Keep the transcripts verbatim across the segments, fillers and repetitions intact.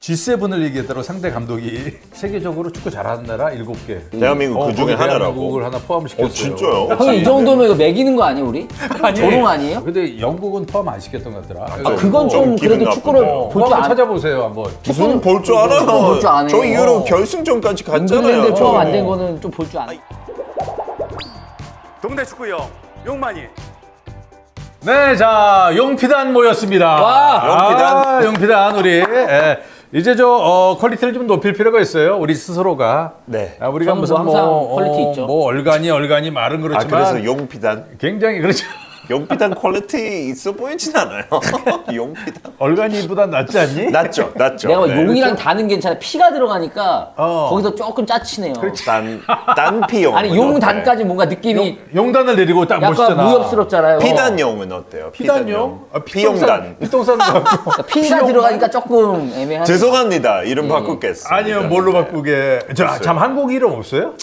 지 세븐을 얘기했더라고. 상대 감독이 세계적으로 축구 잘하는 나라 일곱 개. 대한민국 어, 그 중에 거기 하나라고. 대한민국을 하나 포함시켰어요. 어, 진짜요? 형이 이 정도면 이거 매기는 거 아니에요, 우리? 조롱 아니에요? 근데 영국은 포함 안 시켰던 것 같더라. 아, 그건 좀 좀 기분 그래도 나쁘다. 축구를 어, 볼 줄 한번 안. 찾아보세요 한번. 무슨 볼 줄 알아요? 축구 볼줄 아네. 저희 유로 어. 결승전까지 잉글랜드 갔잖아요. 포함 안 저. 된 거는 좀 볼 줄 아네. 동네 축구형 용만이. 네, 자 용피단 모였습니다. 와, 용피단. 아, 용피단 우리 예, 이제 저 어, 퀄리티를 좀 높일 필요가 있어요. 우리 스스로가. 네. 아, 우리가 저는 무슨 뭐 항상 뭐, 퀄리티 어, 있죠. 뭐 얼간이 얼간이 말은 아 그렇지만 그래서 용피단. 굉장히 그렇죠. 용피단 퀄리티 있어 보이진 않아요. 용피단. 얼간이보다 낫지 않니? 낫죠, 낫죠. 내가 네. 용이랑 단은 괜찮아. 피가 들어가니까 어. 거기서 조금 짜치네요. 단 단피용. 아니 용 단까지 뭔가 느낌이 용단을 내리고 딱 약간 멋있잖아. 무협스럽잖아요. 피단용은 어때요? 피단용? 아, 피용단. 피똥산 같고. 그러니까 피가 들어가니까 조금 애매하죠. 죄송합니다. 이름 바꾸겠습니다. 아니요, 뭘로 바꾸게. 저, 참 한국 이름 없어요?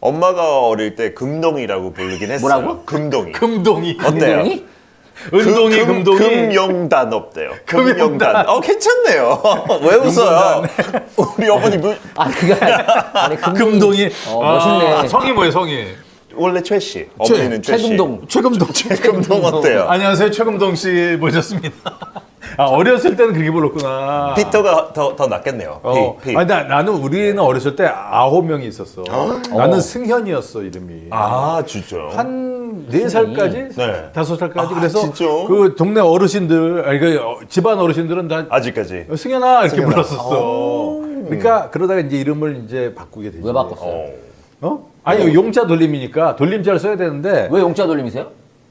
엄마가 어릴 때 금동이라고 부르긴 했어요. 뭐라고? 금동이. 금동이. 어때요? 운동이? 은동이, 금- 금동이. 금용단 없대요. 금용단. 금용단. 어 괜찮네요. 왜 웃어요? 우리 어머니 무, 아 그게 아니 금동이. 금동이. 어, 멋있네. 아, 성이 뭐예요, 성이? 원래 최 씨. 어머니는 최 씨. 최금동. 최금동. 최금동 어때요? 안녕하세요, 최금동 씨 모셨습니다. 아, 어렸을 때는 그렇게 불렀구나. 피터가 더, 더 낫겠네요. 어. 피, 피. 아니, 나, 나는 우리는 어렸을 때 아홉 명이 있었어. 나는 승현이었어, 이름이. 아 진짜요? 한 네 살까지? 네. 다섯 살까지. 아, 그래서 진짜? 그 동네 어르신들, 아니, 그 어, 집안 어르신들은 다 아직까지. 승현아 이렇게 승현아. 불렀었어. 그러니까 그러다가 이제 이름을 이제 바꾸게 되지. 왜 바꿨어요? 어. 어? 아니 용자 돌림이니까 돌림자를 써야 되는데 왜 용자 돌림이세요?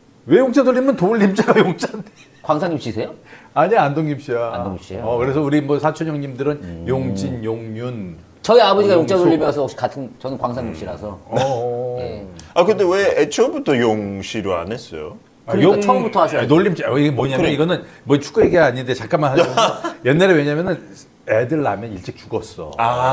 왜 용자 돌리면 돌림자가 용자인데? 광산님 씨세요? 아니야 안동김 씨야. 안동김 씨예요? 어 그래서 우리 뭐 사촌 형님들은 용진, 용윤. 저희 아버지가 용자 용수. 돌림이어서 혹시 같은 저는 광산님 씨라서. 어. 예. 아 근데 왜 애초부터 용씨로 안 했어요? 그러니까 처음부터 하셔야죠. 아니, 놀림자. 어, 이게 뭐냐면 그래. 이거는 뭐 축구 얘기 아닌데 잠깐만 하자면 옛날에 왜냐면은 애들 낳으면 일찍 죽었어.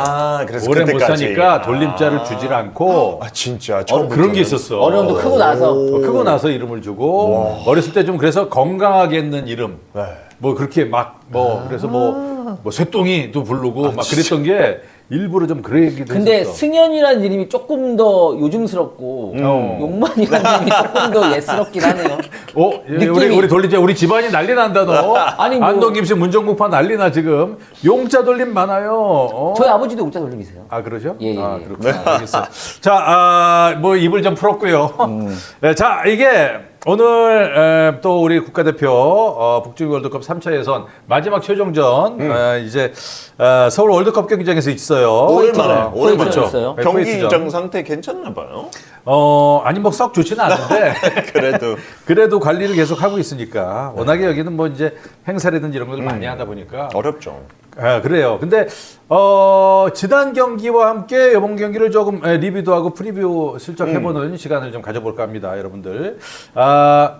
아 그래서 오래 못 그때까지. 사니까 돌림자를 주질 않고 아 진짜 어, 처음부터 그런 게 있었어. 어느 정도 크고 나서 어, 크고 나서 이름을 주고 어렸을 때 좀 그래서 건강하게 있는 이름 네. 뭐 그렇게 막 뭐 그래서 뭐 뭐 쇠똥이도 부르고 막 그랬던 게 일부러 좀 그러기도 근데 했었어. 승현이라는 이름이 조금 더 요즘스럽고 어. 용만이라는 이름이 조금 더 옛스럽긴 하네요. 어, 예, 우리 느낌이- 우리 돌림자 우리 집안이 난리 난다 너. 아니, 뭐- 안동 김씨 문정국파 난리나 지금. 용자 돌림 많아요. 어? 저희 아버지도 용자 돌림이세요. 아 그러죠? 예, 예, 아 예. 그렇구나. 알겠어요. 자, 아, 뭐 입을 좀 풀었고요. 음. 네, 자 이게 오늘 에, 또 우리 국가대표 어, 북중 월드컵 삼 차 예선 마지막 최종전 음. 에, 이제 어, 서울 월드컵 경기장에서 있어요. 오랜만에 어, 오랜만에 그렇죠. 있어요. 네, 경기장 쿠웨이트전. 상태 괜찮나 봐요. 어 아니 뭐 썩 좋지는 않은데 그래도 그래도 관리를 계속 하고 있으니까 워낙에 여기는 뭐 이제 행사라든지 이런 걸 음. 많이 하다 보니까 어렵죠. 아, 그래요. 근데 어, 지난 경기와 함께 이번 경기를 조금 에, 리뷰도 하고 프리뷰 슬쩍 해보는 시간을 좀 가져볼까 합니다, 여러분들. 아,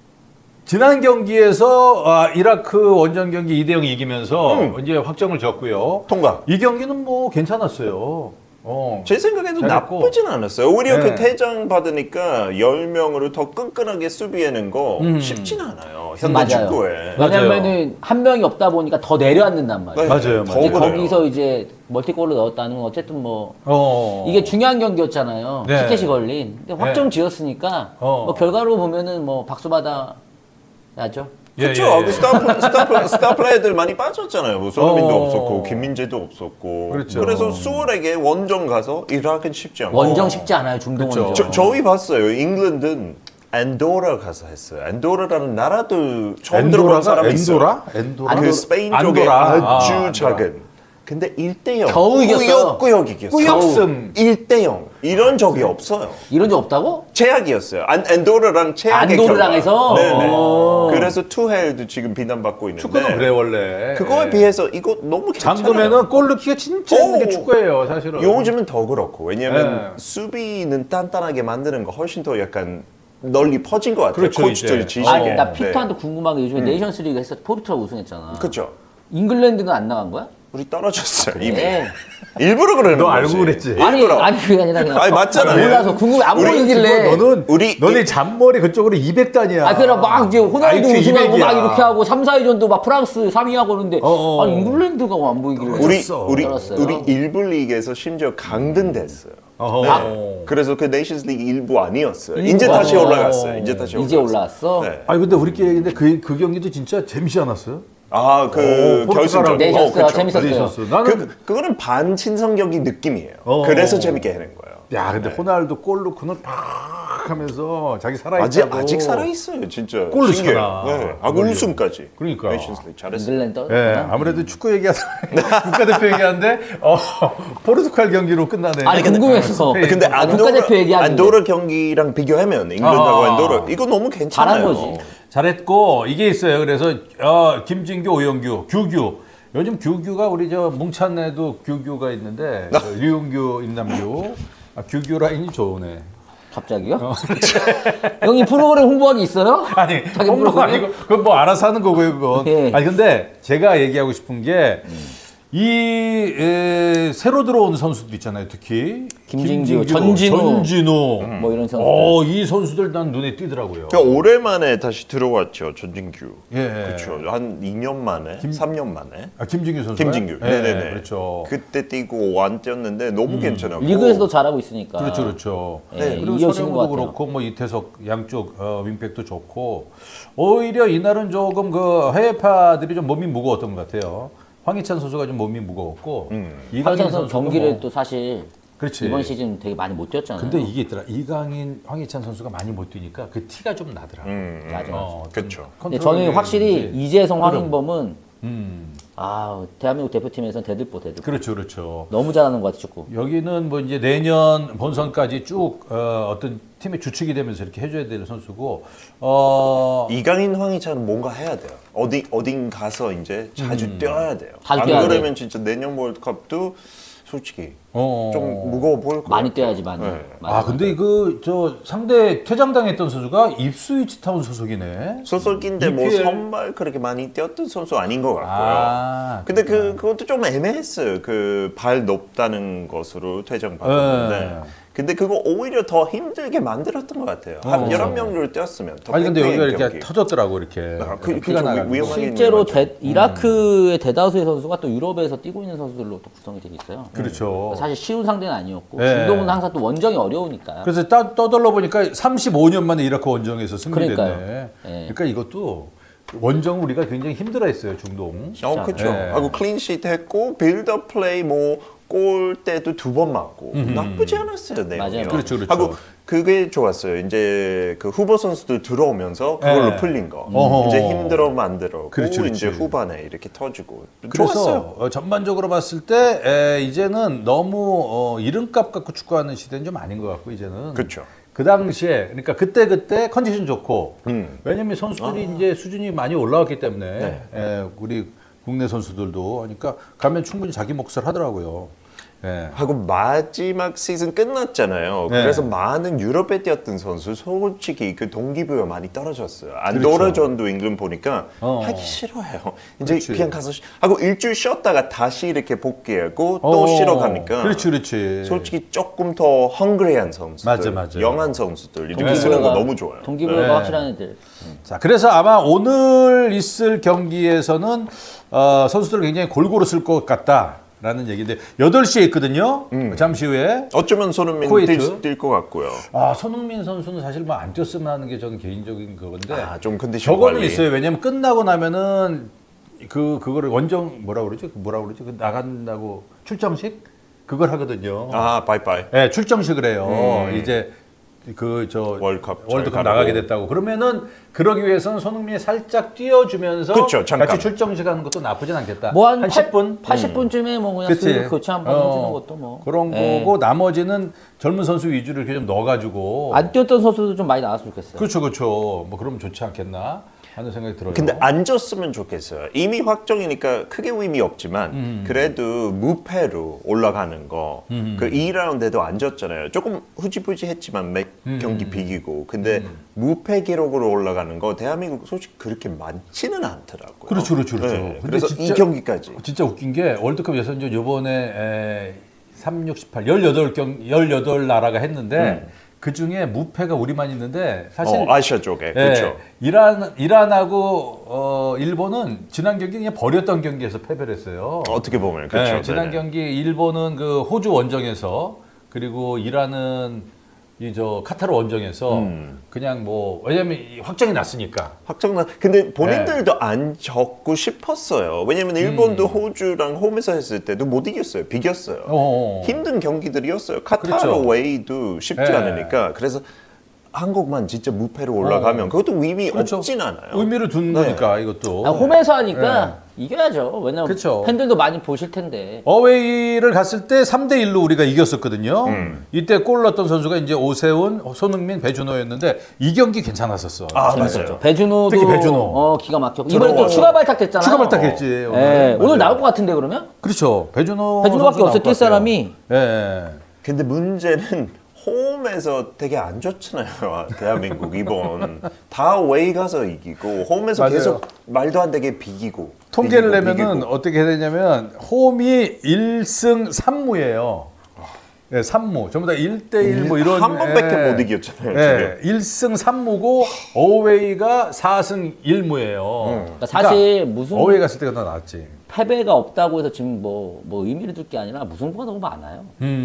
지난 경기에서 아, 이라크 원정 경기 이 대 영 이기면서 이제 확정을 졌고요. 통과. 이 경기는 뭐 괜찮았어요. 어. 제 생각에도 잘했고. 나쁘진 않았어요. 오히려 네. 그 퇴장 받으니까 열 명으로 더 끈끈하게 수비하는 거 음. 쉽진 않아요. 현대 맞아요. 축구에. 맞아요. 왜냐면은 한 명이 없다 보니까 더 내려앉는단 말이에요. 맞아요, 더 맞아요. 이제 그래요. 거기서 이제 멀티골을 넣었다는 건 어쨌든 뭐 어. 이게 중요한 경기였잖아요. 네. 티켓이 걸린. 근데 확정 지었으니까 어. 뭐 결과로 보면은 뭐 박수 받아야죠. 예, 그렇죠. 예, 예. 그 스타, 플- 스타, 플- 스타 플레이들 많이 빠졌잖아요. 뭐 손흥민도 어. 없었고 김민재도 없었고. 그렇죠. 그래서 수월하게 원정 가서 이라크는 쉽지 않고. 원정 쉽지 않아요. 중동 그쵸. 원정. 저, 저희 봤어요. 잉글랜드는 안도라 가서 했어요. 안도라라는 나라도 처음 들어본 엔도라가 사람이 있어요. 엔도라? 엔도라? 그 스페인 쪽에 안도라. 아주 아, 안도라. 작은. 근데 일 대 영. 겨우 이겼어요. 꾸역꾸역 이겼어요. 꾸역승. 일 대 영. 이런 적이 없어요. 이런 적 없다고? 최악이었어요. 안, 안도라랑 최악의 안도르랑 결과. 해서? 네네. 오. 그래서 투헬도 지금 비난받고 있는데. 축구는 그래 원래. 그거에 예. 비해서 이거 너무 괜찮아요. 잠그면은 골 넣기가 진짜 힘든 게 오. 축구예요, 사실은. 요즘은 더 그렇고 왜냐면 네. 수비는 단단하게 만드는 거 훨씬 더 약간 널리 퍼진 것 같아요. 그렇죠, 코치들이 이제. 지시게. 아, 나 네. 피터한테 궁금한 게 요즘에 네이션스 리그 했어. 포르투갈 우승했잖아. 그렇죠. 잉글랜드는 안 나간 거야? 우리 떨어졌어요. 이미. 네. 일부러 그러는 너 거지. 알고 그랬지? 아니 일부러. 아니 그게 아니라 그냥 아니, 맞잖아요. 몰라서 궁금해 안 우리 보이길래. 너는 우리 너네 이- 잔머리 그쪽으로 이백 단이야. 아, 그래, 막, 이제, 호날두 아이큐 우승하고 막 이백이야. 이렇게 하고, 삼, 사 위전도 막 프랑스 삼 위 하고 그러는데, 어어. 아니, 잉글랜드가 안 보이길래. 우리 떨어졌어. 우리 떨었어요. 우리 일부 리그에서 심지어 강등됐어요. 어허. 네. 그래서 그 네이션스 리그 일부 아니었어요. 일부 이제 다시 아니에요. 올라갔어요. 이제 다시 이제 올라갔어요. 올라왔어? 네. 아니 근데 우리끼리 얘기인데 그, 그 경기도 진짜 재밌지 않았어요? 아, 그 오, 결승전. 포르투갈하고. 네, 어, 졌어요. 그쵸. 재밌었어요. 재밌었어. 나는 그 그거는 반친성 경기 느낌이에요. 어. 그래서 재밌게 하는 거예요. 야 근데 네. 호날두 골 넣고는 팍 하면서 자기 살아있다고. 아직 아직 살아 있어요, 진짜. 골 신기해요. 넣잖아. 네. 하고 골 우승까지. 그러니까. 네이션스 리그 잘했어요. 잉글랜드 예, 떨어졌구나. 아무래도 축구 얘기하다 국가대표 얘기하는데 어, 포르투갈 경기로 끝나네. 아니, 궁금해서. 스페인. 근데 아, 안도라, 국가대표 얘기하는데. 안도라 경기랑 비교하면 잉글랜드하고 아. 안도라 이거 너무 괜찮아요. 잘한 거지. 잘했고 이게 있어요. 그래서 어, 김진규, 오영규, 규규. 요즘 규규가 우리 저 뭉찬에도 규규가 있는데 아. 저 류용규, 임남규. 아, 규규 라인이 좋으네. 갑자기요? 형이 프로그램 홍보하기 있어요? 아니, 자기 홍보가 프로그램? 아니고 그건 뭐 알아서 하는 거고요, 그건. 예. 아니 근데 제가 얘기하고 싶은 게 이 새로 들어온 선수들 있잖아요, 특히 김진규, 전진우. 전진우. 뭐 이런 선수들. 어, 이 선수들 난 눈에 띄더라고요. 그러니까 오랜만에 다시 들어왔죠, 전진규. 예. 그렇죠. 한 이 년 만에, 삼 년 만에. 아, 김진규 선수. 김진규. 네네네. 그렇죠. 그때 뛰고 완 뛰었는데 너무 괜찮았고. 리그에서도 잘하고 있으니까. 그렇죠, 그렇죠. 예, 그리고 이어지는 것 서령도 같아요. 그렇고 뭐 이태석 양쪽 어, 윙백도 좋고 오히려 이날은 조금 그 해외파들이 좀 몸이 무거웠던 것 같아요. 황희찬 선수가 좀 몸이 무거웠고 음. 이강인 황희찬 선수 선수도 경기를 뭐, 또 사실 그렇지. 이번 시즌 되게 많이 못 뛰었잖아요. 근데 이게 있더라. 이강인, 황희찬 선수가 많이 못 뛰니까 그 티가 좀 나더라. 음, 음. 맞아. 어, 그렇죠. 근데 저는 확실히 이재성, 흐름. 황인범은 음, 아 대한민국 대표팀에서는 대들보 대들보. 그렇죠, 그렇죠. 너무 잘하는 것 같아 축구. 여기는 뭐 이제 내년 본선까지 쭉 어, 어떤 팀의 주축이 되면서 이렇게 해줘야 될 선수고, 어, 이강인, 황희찬은 뭔가 해야 돼요. 어디 어딘 가서 이제 자주 음. 뛰어야 돼요. 자주 안 뛰어야 그러면 진짜 내년 월드컵도 솔직히 어, 좀 무거워 보일 것 많이 같아요. 뛰어야지 많이. 네. 맞아, 아 근데 그 저 상대 퇴장당했던 선수가 입스위치 타운 소속이네. 소속인데 뭐 이피엘. 선발 그렇게 많이 뛰었던 선수 아닌 것 같고요. 아, 근데 그 그것도 좀 애매했어요. 그 발 높다는 것으로 퇴장 받았는데. 네. 근데 그거 오히려 더 힘들게 만들었던 것 같아요. 한 어. 열한 명을 뛰었으면 더 아니 근데 여기가 팽팽한 이렇게 경기. 터졌더라고 이렇게 아, 그- 피가 그죠. 나가고. 위험하게 실제로 있는 대, 이라크의 대다수의 선수가 또 유럽에서 뛰고 있는 선수들로 또 구성이 되어 있어요. 그렇죠. 사실 쉬운 상대는 아니었고 네. 중동은 항상 또 원정이 어려우니까. 그래서 따, 떠들러 보니까 삼십오 년 만에 이라크 원정에서 승리됐네. 그러니까요. 네. 그러니까 이것도 원정 우리가 굉장히 힘들어했어요 중동. 어, 그렇죠. 네. 하고 클린시트 했고 빌드업 플레이 뭐 골 때도 두 번 맞고 나쁘지 않았어요. 내용이. 맞아요. 그렇죠, 그렇죠. 하고 그게 좋았어요. 이제 그 후보 선수들 들어오면서 그걸로 네. 풀린 거. 어허. 이제 힘들어 만들었고 그렇죠, 이제 그렇지. 후반에 이렇게 터지고 그래서 좋았어요. 어, 전반적으로 봤을 때 에, 이제는 너무 어, 이름값 갖고 축구하는 시대는 좀 아닌 것 같고 이제는 그렇죠. 그 당시에 그러니까 그때 그때 컨디션 좋고 음. 왜냐면 선수들이 이제 수준이 많이 올라왔기 때문에 네. 에, 우리 국내 선수들도 그러니까 가면 충분히 자기 몫을 하더라고요. 예. 하고 마지막 시즌 끝났잖아요. 네. 그래서 많은 유럽에 뛰었던 선수 솔직히 그 동기부여 많이 떨어졌어요. 그렇죠. 안도라전도 잉글랜드 보니까 어. 하기 싫어요. 이제 그렇지. 그냥 가서 쉬- 하고 일주일 쉬었다가 다시 이렇게 복귀하고 또 어, 쉬러 가니까 그렇지, 그렇지. 솔직히 조금 더 헝그리한 선수들, 맞아, 맞아. 영한 선수들 이렇게 네. 쓰는 거 너무 좋아요. 동기부여가 네. 확실한 애들. 자, 그래서 아마 오늘 있을 경기에서는 어, 선수들을 굉장히 골고루 쓸 것 같다라는 얘기인데 여덟 시에 있거든요. 잠시 후에. 어쩌면 손흥민 쿠웨이트. 뛸 것 같고요. 아, 손흥민 선수는 사실 뭐 안 뛰었으면 하는 게 저는 개인적인 그건데. 아, 좀 컨디션 저거는 관리. 있어요. 왜냐면 끝나고 나면은 그 그거를 원정 뭐라 그러지? 그 뭐라 그러지? 그 나간다고 출정식 그걸 하거든요. 아, 바이바이. 네, 출정식을 해요. 음. 이제 그 저 월드컵 잘 월드컵 가고. 나가게 됐다고. 그러면은 그러기 위해서는 손흥민이 살짝 띄워주면서 그쵸, 잠깐. 같이 출정식 하는 것도 나쁘진 않겠다. 뭐 한 십 분? 팔십 분쯤에 뭐 그냥 그치. 쓱 교체 한번 어, 해주는 것도 뭐 그런 예. 거고 나머지는 젊은 선수 위주로 이렇게 좀 넣어가지고. 안 뛰었던 선수도 좀 많이 나왔으면 좋겠어요. 그렇죠, 그렇죠. 뭐 그러면 좋지 않겠나. 하는 생각이 들어요. 근데 안 졌으면 좋겠어요. 이미 확정이니까 크게 의미 없지만 음. 그래도 무패로 올라가는 거. 그 이 라운드에도 안 졌잖아요. 조금 후지부지했지만 몇 음. 경기 비기고. 근데 무패 기록으로 올라가는 거 대한민국 솔직히 그렇게 많지는 않더라고요. 그렇죠, 그렇죠, 그렇죠. 네, 근데 그래서 진짜- 이 경기까지. 진짜 웃긴 게 월드컵 예선전 요번에 에, 삼, 육, 십팔, 십팔 경, 십팔 나라가 했는데 그 중에 무패가 우리만 있는데 사실 어, 아시아 쪽에. 예, 그렇죠. 이란, 이란하고 어, 일본은 지난 경기 그냥 버렸던 경기에서 패배를 했어요. 어떻게 보면 그렇죠. 예, 지난 네네. 경기 일본은 그 호주 원정에서 그리고 이란은 이 저 카타르 원정에서 음. 그냥 뭐 왜냐면 이 확정이 났으니까. 확정난. 근데 본인들도 안 졌고 싶었어요. 왜냐면 일본도 호주랑 홈에서 했을 때도 못 이겼어요. 비겼어요. 음. 어. 힘든 경기들이었어요. 카타르 그렇죠. 웨이도 쉽지 네. 않으니까. 그래서 한국만 진짜 무패로 올라가면 어. 그것도 의미 그렇죠. 없진 않아요. 의미를 둔 네. 거니까 이것도. 아, 홈에서 하니까 이겨야죠. 왜냐면 그쵸. 팬들도 많이 보실 텐데. 어웨이를 갔을 때 삼 대 일로 우리가 이겼었거든요. 음. 이때 골 넣었던 선수가 이제 오세훈, 손흥민, 배준호였는데 이 경기 괜찮았었어. 아, 재밌었죠. 맞아요. 배준호도 특히 배준호. 어, 기가 막혔고 이번에 또 들어와요. 추가 발탁됐잖아요. 추가 발탁했지. 예, 오늘. 오늘 맞아요. 나올 것 같은데 그러면? 그렇죠. 배준호. 배준호밖에 선수 없어, 나올 것 뛸 같아요. 사람이. 예. 근데 문제는 홈에서 되게 안 좋잖아요. 대한민국 이번 다 웨이 가서 이기고 홈에서 맞아요. 계속 말도 안 되게 비기고 통계를 비기고, 내면은 비기고. 어떻게 해야 되냐면 홈이 일 승 삼 무예요. 예, 삼 무. 전부 다 일 대 일 뭐 이런 한 번밖에 예. 못 이겼잖아요. 예, 일 승 삼 무고 어웨이가 사 승 일 무예요. 그러니까 사실 무슨 어웨이 갔을 때가 더 낫지. 패배가 없다고 해서 지금 뭐, 뭐 의미를 둘 게 아니라 무승부가 너무 많아요.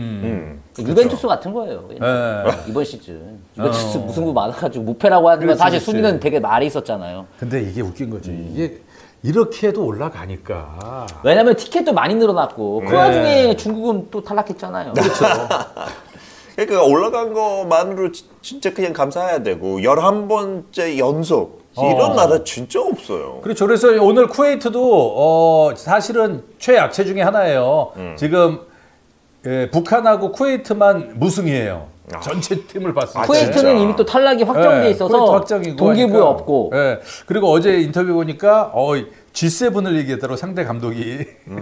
음. 음. 유벤투스 같은 거예요. 예. 이번 시즌. 유벤투스 어. 무승부 많아가지고 무패라고 하는 건 그렇지, 사실 그렇지. 순위는 되게 말이 있었잖아요. 근데 이게 웃긴 거지. 이게 이렇게 해도 올라가니까. 왜냐면 티켓도 많이 늘어났고 그 네. 와중에 중국은 또 탈락했잖아요. 그렇죠. 그러니까 올라간 것만으로 지- 진짜 그냥 감사해야 되고 열한 번째 연속 이런 어. 나라 진짜 없어요. 그렇죠. 그래서 오늘 쿠웨이트도 어, 사실은 최약체 중에 하나예요. 지금 예, 북한하고 쿠웨이트만 무승이에요. 아. 전체 팀을 봤을 때. 쿠웨이트는 진짜. 이미 또 탈락이 확정돼 예, 있어서 쿠웨이트 확정이고 동기부여 하니까. 없고 예. 그리고 어제 인터뷰 보니까 어, 지 세븐을 얘기했더라고 상대 감독이.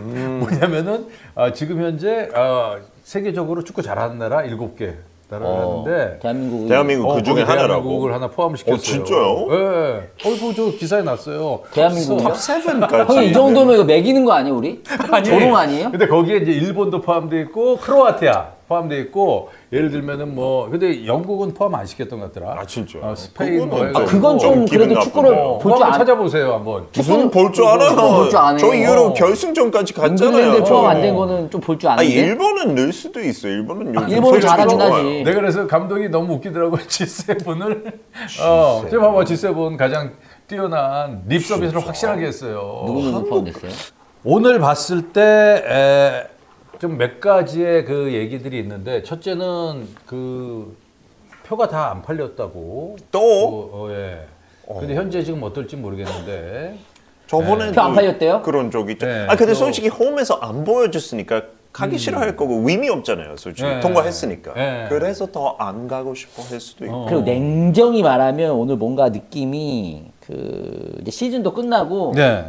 뭐냐면은 아, 지금 현재 아, 세계적으로 축구 잘하는 나라 일곱 개 나라라는데 대한민국이 대한민국 어, 그 중에 거기 하나라고. 대한민국을 하나 포함시켰어요. 어, 진짜요? 예. 어이구 저 기사에 났어요. 대한민국이요? 탑 세븐까지. 형이 이 정도면 이거 매기는 거 아니에요 우리? 아니, 조롱 아니에요? 근데 거기에 이제 일본도 포함돼 있고 크로아티아 포함돼 있고 예를 들면은 뭐 근데 영국은 포함 안 시켰던 것 같더라. 아, 진짜요? 어, 스페인 뭐 그거는 해가지고. 아, 그건 좀 좀 기분 그래도 축구를 나쁘네요. 어, 볼 그거 줄 한번 안. 찾아보세요 한번. 무슨 볼 줄 축구 알아요? 볼줄 아네. 저 유로 어. 결승전까지 잉글랜드 갔잖아요. 포함 안 저. 된 거는 좀 볼 줄 아니 아는데. 일본은 늘 수도 있어. 일본은 요즘 일본은 솔직히 잘하긴 좋아요. 하지. 내가 그래서 감독이 너무 웃기더라고 지 세븐을. 어, 저 봐봐 지 세븐 가장 뛰어난 립 서비스를 확실하게 했어요. 누구 누구 포함됐어요? 오늘 봤을 때 좀 몇 가지의 그 얘기들이 있는데 첫째는 그 표가 다 안 팔렸다고. 또 어, 어, 예. 근데 현재 지금 어떨지 모르겠는데. 저번에 표 안 팔렸대요? 그런 적 있죠. 네, 아 근데 또- 솔직히 홈에서 안 보여줬으니까 가기 싫어할 거고 의미 없잖아요. 솔직히 네. 통과했으니까. 네. 그래서 더 안 가고 싶어 할 수도 있고. 어. 그리고 냉정히 말하면 오늘 뭔가 느낌이 그 이제 시즌도 끝나고 네.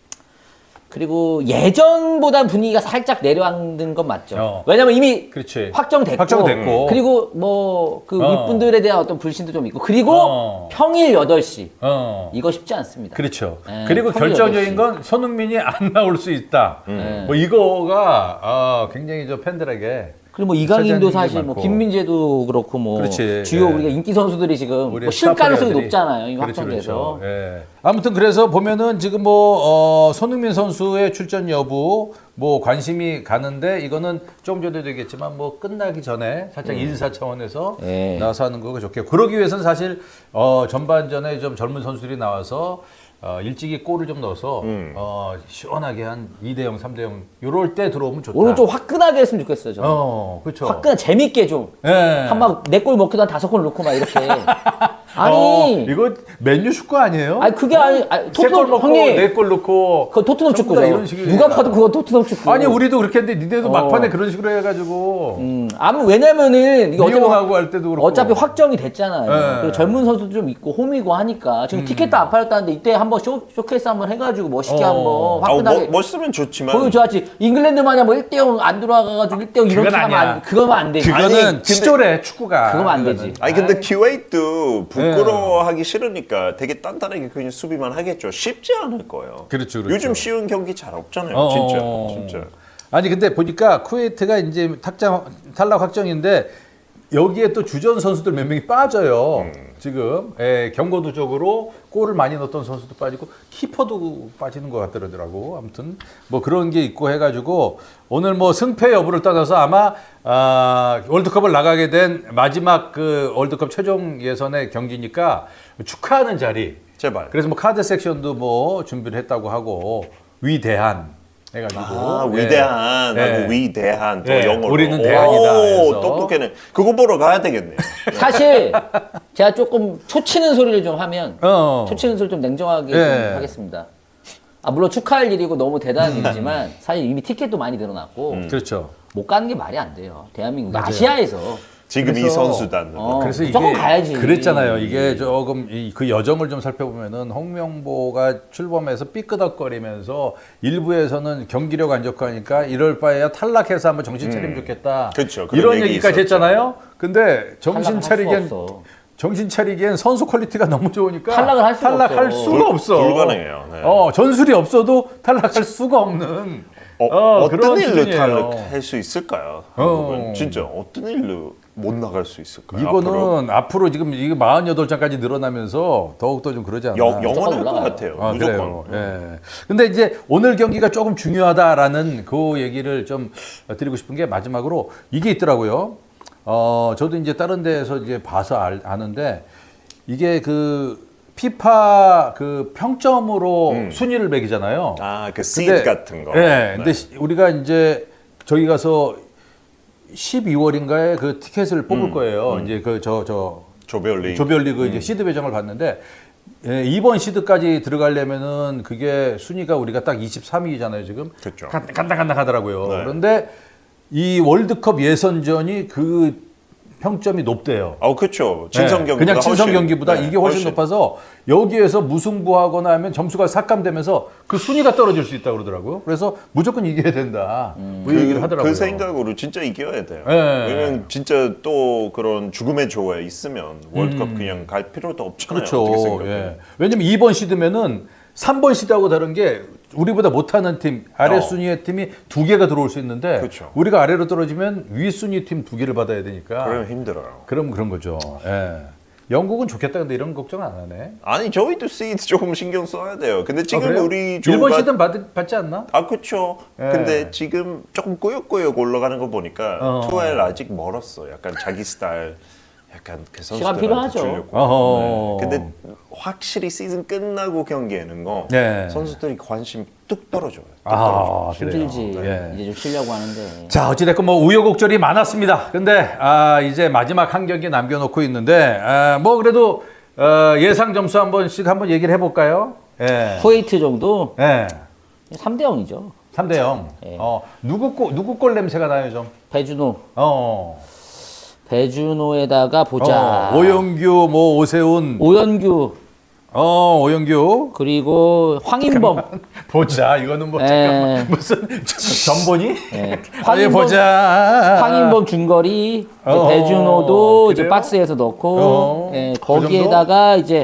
그리고 예전보단 분위기가 살짝 내려앉은 건 맞죠. 어. 왜냐면 이미 그렇지. 확정됐고, 확정됐고. 그리고 뭐 그 어. 윗분들에 대한 어떤 불신도 좀 있고 그리고 어. 평일 여덟 시 어. 이거 쉽지 않습니다. 그렇죠. 네, 그리고 평일 결정적인 여덟 시. 건 손흥민이 안 나올 수 있다. 네. 뭐 이거가 아, 굉장히 저 팬들에게 그리고 뭐 이강인도 차지하는 사실 게 뭐 많고. 김민재도 그렇고 뭐 그렇지. 주요 예. 우리가 인기 선수들이 지금 우리의 뭐 쉴 스타 가능성이 플레이어들이. 높잖아요. 이미 그렇죠, 확정돼서. 그렇죠. 예. 아무튼 그래서 보면은 지금 뭐 어, 손흥민 선수의 출전 여부 뭐 관심이 가는데 이거는 조금 전에도 얘기했지만 뭐 끝나기 전에 살짝 인사 차원에서 예. 나와서 하는 거가 좋겠고 그러기 위해서는 사실 어, 전반전에 좀 젊은 선수들이 나와서 어, 일찍이 골을 좀 넣어서 음. 어, 시원하게 한 이 대 영, 삼 대 영 요럴 때 들어오면 좋다. 오늘 좀 화끈하게 했으면 좋겠어요. 저는. 어, 그렇죠. 화끈 재밌게 좀. 예. 한 막 네 골 먹기도 한 다섯 골 넣고 막 이렇게. 아니. 어, 이거 맨유 축구 아니에요? 아니 그게 아니, 아니 세골 토트넘 먹고 형님 네 골 넣고 그 토트넘 전부 축구죠. 다 이런 식이에요. 누가 봐도 그거 토트넘 축구. 아니 우리도 그렇게 했는데 니네도 어. 막판에 그런 식으로 해가지고 음, 아무 왜냐면은 이게 어차피 미용하고 할 때도 그렇고 어차피 확정이 됐잖아요. 네. 그리고 젊은 선수도 좀 있고 홈이고 하니까 지금 티켓도 안 팔렸다는데 이때 한번 쇼, 쇼케이스 한번 해가지고 멋있게 어. 한번 아, 화끈하게 뭐, 멋있으면 좋지만 보여줘야지. 잉글랜드 마냥 뭐 일 대 영 안 들어와가지고 일 대 영 이렇게 그건 하면 아니야. 안, 그거면 안 되지. 그거는 아니, 근데- 치졸해 축구가. 그거면 안 그거는. 되지. 아니 근데 키웨이트도 네. 부끄러워하기 싫으니까 되게 단단하게 그냥 수비만 하겠죠. 쉽지 않을 거예요. 그렇죠, 그렇죠. 요즘 쉬운 경기 잘 없잖아요. 어, 진짜, 어. 진짜. 아니 근데 보니까 쿠웨이트가 이제 탁장 탈락 확정인데 여기에 또 주전 선수들 몇 명이 빠져요. 음. 지금 예, 경고도적으로 골을 많이 넣었던 선수도 빠지고 키퍼도 빠지는 것 같더라고. 아무튼 뭐 그런 게 있고 해가지고 오늘 뭐 승패 여부를 떠나서 아마 아, 월드컵을 나가게 된 마지막 그 월드컵 최종 예선의 경기니까 축하하는 자리. 제발. 그래서 뭐 카드 섹션도 뭐 준비를 했다고 하고 위대한 해가지고 아, 예. 위대한 예. 하고 위대한 또 예, 영어로. 우리는 대한이다 해서. 오, 똑똑해네. 그거 보러 가야 되겠네요. 사실 제가 조금 초치는 소리를 좀 하면 어. 초치는 소리 좀 냉정하게 예. 좀 하겠습니다. 아 물론 축하할 일이고 너무 대단한 일이지만 사실 이미 티켓도 많이 늘어났고 그렇죠. 못 가는 게 말이 안 돼요. 대한민국 아시아에서 지금 이 그래서- 선수단. 어. 그래서 무조건 이게 가야지. 그랬잖아요. 이게 조금 이, 그 여정을 좀 살펴보면은 홍명보가 출범해서 삐끄덕거리면서 일부에서는 경기력 안 좋고 하니까 이럴 바에야 탈락해서 한번 정신 차리면 좋겠다. 그쵸, 그런 이런 얘기 얘기까지 있었죠. 했잖아요. 근데 정신 탈락을 할 수 차리기엔 없어. 정신 차리기엔 선수 퀄리티가 너무 좋으니까 탈락을 할 수가 탈락할 없어. 수가 불- 없어. 불가능해요. 네. 어, 전술이 없어도 탈락할 수가 없는 어, 어, 어떤 그런 일로 수준이에요. 탈락할 수 있을까요? 어. 한국은 진짜 어떤 일로 못 나갈 수 있을까요? 이거는 앞으로? 앞으로, 지금 이게 사십팔 장까지 늘어나면서 더욱더 좀 그러지 않나. 영, 영원할 것 올라가요. 같아요. 아, 무조건. 그래요. 예. 근데 이제 오늘 경기가 조금 중요하다라는 그 얘기를 좀 드리고 싶은 게 마지막으로 이게 있더라고요. 어, 저도 이제 다른 데에서 이제 봐서 알, 아는데 이게 그 피파 그 평점으로 순위를 매기잖아요. 아, 그 근데- 시드 같은 거. 예. 네. 근데 시- 우리가 이제 저기 가서 십이월인가에 그 티켓을 뽑을 거예요. 이제 그 저 저 조별리. 조별리그 이제 시드 배정을 받는데 예, 이번 시드까지 들어가려면은 그게 순위가 우리가 딱 이십삼 위잖아요 지금. 그렇죠. 간당간당하더라고요. 네. 그런데 이 월드컵 예선전이 그 평점이 높대요. 아, 그렇죠. 진성 예, 경기보다 그냥 친선 훨씬- 경기보다 네, 이게 훨씬, 높아서 여기에서 무승부하거나 하면 점수가 삭감되면서 그 순위가 떨어질 수 있다고 그러더라고요. 그래서 무조건 이겨야 된다. 뭐 이 얘기를 하더라고요. 그 생각으로 진짜 이겨야 돼요. 예. 왜냐면 진짜 또 그런 죽음의 조에 있으면 월드컵 그냥 갈 필요도 없잖아요. 어떻게 음. 그렇죠. 생각해요? 예. 왜냐면 이 번 시드면은 삼 번 시드하고 다른 게 우리보다 못하는 팀, 아래 어. 순위의 팀이 두 개가 들어올 수 있는데 그렇죠. 우리가 아래로 떨어지면 위 순위 팀 두 개를 받아야 되니까 그러면 힘들어요. 그럼 그런 거죠. 예. 영국은 좋겠다 근데 이런 걱정 안 하네. 아니 저희도 시드 조금 신경 써야 돼요. 근데 지금 아, 그래요? 우리 일본 조가 시드는 받, 받지 않나? 아 그렇죠. 예. 근데 지금 조금 꾸역꾸역 올라가는 거 보니까 어. 투엘 아직 멀었어. 약간 자기 스타일, 약간 그 시간 선수들한테 필요하죠. 주려고. 어허. 네. 근데 확실히 시즌 끝나고 경기에는 거 네. 선수들이 관심 뚝 떨어져요. 뚝 아, 그래요. 힘들지. 예. 이제 좀 쉬려고 하는데. 자, 어찌됐건 뭐 우여곡절이 많았습니다. 근데 아, 이제 마지막 한 경기 남겨놓고 있는데 아, 뭐 그래도 어, 예상 점수 한 번씩 한번 얘기를 해볼까요? 예. 쿠웨이트 정도 예. 삼 대 영이죠. 삼 대 영. 예. 어, 누구 골, 누구 골 냄새가 나요, 좀? 배준호. 어. 배준호에다가 보자. 어, 오영규, 뭐 오세훈, 오연규 어, 오영규. 그리고 황인범. 보자. 이거는 뭐 예. 잠깐만 무슨 전본이? 예. 아니 보자. 황인범 중거리, 이제 어, 배준호도 이제 그래요? 박스에서 넣고, 어, 예, 그 거기에다가 이제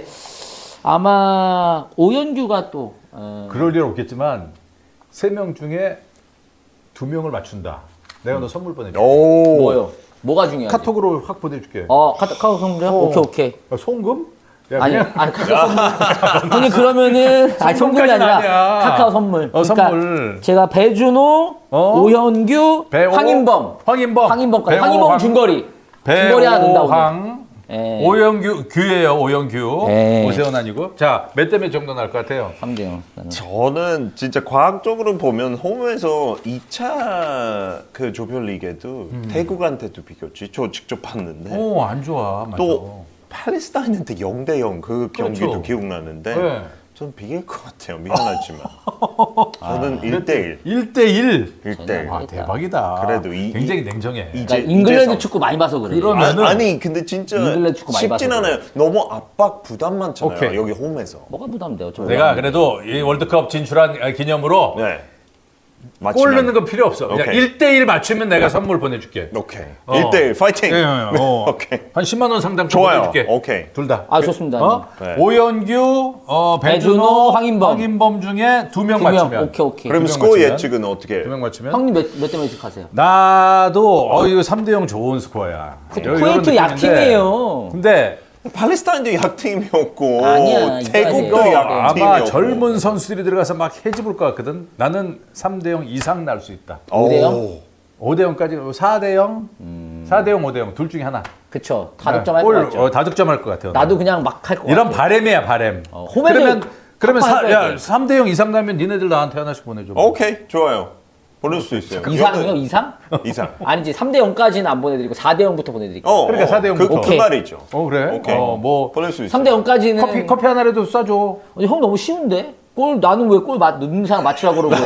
아마 오연규가 또 어, 그럴 일 없겠지만 세 명 중에 두 명을 맞춘다. 내가 너 선물 보내줄게. 오. 뭐요? 뭐가 중요하지? 카톡으로 확 보내줄게. 어, 카톡 카톡 성적? 어. 오케이 오케이. 아, 송금? 야, 아니, 그냥 아니 카카오 선물. 형님 그러면은 아니 선물이 선물까지는 아니라 아니야. 카카오 선물. 어, 그러니까 선물. 제가 배준호, 어? 오현규, 배호, 황인범, 황인범, 황인범까지. 배호, 황인범 황- 중거리. 중거리 하나 넣는다 오늘. 배호황, 예. 오영규, 규예요. 오영규. 예. 오세훈 아니고. 자, 몇 대 몇 정도 날 것 같아요? 삼 대 영. 나는. 저는 진짜 과학적으로 보면 홈에서 이 차 그 조별리그에도 음. 태국한테도 비겼지. 저 직접 봤는데 오, 안 좋아. 맞아. 또 팔레스타인한테 영 대 영 그 경기도 그렇죠. 기억나는데 네. 전 비길 것 같아요. 미안하지만. 저는 일 대 일. 일 대 일. 일 대 일. 아, 대박이다. 그래도 이- 굉장히 냉정해. 이- 그러니까 이제- 잉글랜드 이제서- 축구 많이 봐서 그래. 그러면- 아, 그러면은- 아니 근데 진짜 잉글랜드 축구 많이 쉽진 봐서 않아요. 너무 압박 부담 많잖아요. 오케이. 여기 홈에서. 뭐가 부담돼요? 저 내가 그래도 이 월드컵 진출한 기념으로 네. 골 맞지만- 넣는 건 필요 없어. 그냥 오케이. 일 대 일 맞추면 내가 선물 보내줄게. 오케이. 어. 일 대 일 파이팅. 예, 예, 어. 오케이. 한 십만 원 상당 좋아요. 보내줄게. 오케이. 둘 다. 아, 좋습니다. 어? 네. 오연규, 어, 배준호, 배준호, 황인범. 중에 두 명 두 명. 맞추면. 오케이, 오케이. 그러면 두 명 스코어 맞추면? 예측은 어떻게? 두 명 맞추면. 형님 몇 대 몇씩 하세요? 나도 어 이거 삼 대 영 좋은 스코어야. 그, 요- 요런 쿠웨이트 느낌인데. 약팀이에요. 근데 팔레스타인도 약팀이었고 아니야, 태국도 이거 약팀이었고 아마 젊은 선수들이 들어가서 막 해집을 것 같거든. 나는 삼 대 영 이상 날 수 있다. 오 대 영? 오. 오 대 영까지 사 대 영, 사 대 영, 오 대 영 둘 중에 하나. 그쵸. 다득점 할 것 골, 같죠. 어, 다득점할 것 같아요. 나도 그냥 막 할 것 같아. 이런 바램이야 바램. 어, 홈에서 그러면 그러면 사, 탑 야, 할 삼 대 영 이상 나면 니네들 나한테 하나씩 보내줘. 오케이 좋아요. 보낼 수 있어요. 이상이요? 이거는 이상? 이상. 아니지. 삼 대 영까지는 안 보내드리고 사 대 영부터 보내드릴게요. 어, 그러니까 어, 사 대 영 그, 부터. 그 오케이. 말이죠. 어 그래? 오케이. 어, 뭐 보낼 수 있어요. 삼 대 영까지는 커피 커피 하나라도 쏴줘. 아니, 형 너무 쉬운데? 골 나는 왜 골 넣는 사람 맞추라고 그러고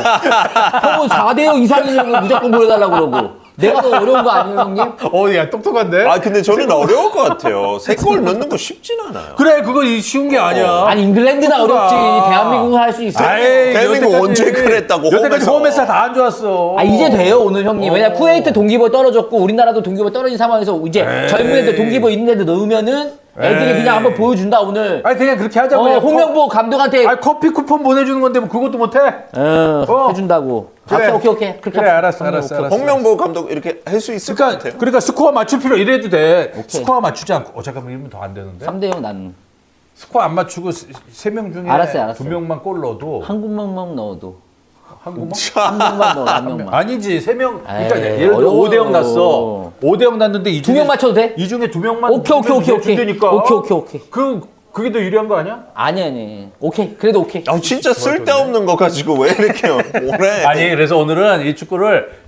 형은 사 대 영 이상이면 무조건 보내달라고 그러고 내가 더 어려운 거 아니에요 형님? 어야 똑똑한데? 아 근데 저는 어려울 것 같아요. 세 골 넣는 거 쉽진 않아요. 그래 그거 이 쉬운 게 아니야. 아니 잉글랜드나 축구가. 어렵지 대한민국은 할 수 있어. 아이, 대한민국 여태까지- 언제 그랬다고, 여태까지 홈에서. 홈에서 다 안 좋았어. 아 이제 돼요 오늘 형님. 왜냐 어. 쿠웨이트 동기부여 떨어졌고 우리나라도 동기부여 떨어진 상황에서 이제 에이. 젊은 애들 동기부여 있는 애들 넣으면은 애들이 에이. 그냥 한번 보여준다 오늘. 아니 그냥 그렇게 하자고. 어, 그냥 홍명보 감독한테 아 커피 쿠폰 보내주는 건데 뭐 그것도 못해? 어, 어. 해준다고. 그래. 아, 오케이 오케이 그렇게 그래 합시다. 알았어 형님, 알았어 오케이. 알았어. 홍명보 감독 이렇게 할 수 있을 것 그러니까 같아요. 그러니까 스코어 맞출 필요 이래도 돼. 스코어 맞추지 않고 어 잠깐만 이러면 더 안 되는데. 삼 대 영 난 스코어 안 맞추고 세 명 중에 알았어요, 알았어요. 두 명만 골 넣어도 한 군만 넣어도 한 구멍? 한 명만 넣어 한 명만. 아니지 세 명. 그러니까 에이, 예를 들어 어려워. 오 대 영 났어. 오 대 영 났는데 이 두 중에 명 맞춰도 돼? 이 중에 두 명만 오케이 오케이 오케이 오케이. 준다니까. 오케이 오케이 오케이. 그 그게 더 유리한 거 아니야? 아니 아니. 오케이 그래도 오케이. 아 진짜 쓸데없는 거 가지고 왜 이렇게 오래? 아니 그래서 오늘은 이 축구를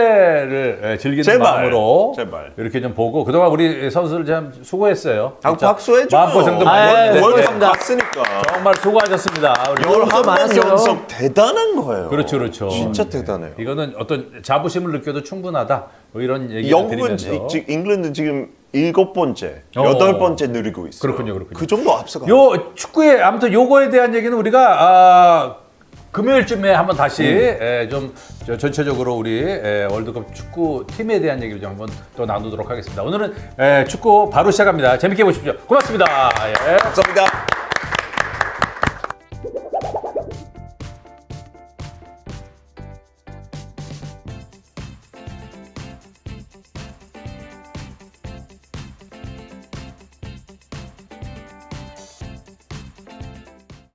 축제를 예, 즐기는 제발, 마음으로 제발. 이렇게 좀 보고 그동안 우리 선수들 참 수고했어요. 아, 진짜. 박수 해줘요. 마음고생도 아, 많이 예, 했는데 월드컵 수고했습니다. 갔으니까. 정말 수고하셨습니다. 우리 열한 번 많았어요. 연속 대단한 거예요. 그렇죠, 그렇죠. 진짜 대단해요. 이거는 어떤 자부심을 느껴도 충분하다. 뭐 이런 얘기를 영국은 드리면서 지- 잉글랜드 지금 일곱 번째, 어. 여덟 번째 누리고 있어요. 그렇군요, 그렇군요. 그 정도 앞서가. 요 축구에 아무튼 요거에 대한 얘기는 우리가 아, 금요일쯤에 한번 다시 음. 에, 좀 저, 전체적으로 우리 에, 월드컵 축구 팀에 대한 얘기를 좀 한번 또 나누도록 하겠습니다. 오늘은 에, 축구 바로 시작합니다. 재밌게 보십시오. 고맙습니다. 예. 감사합니다.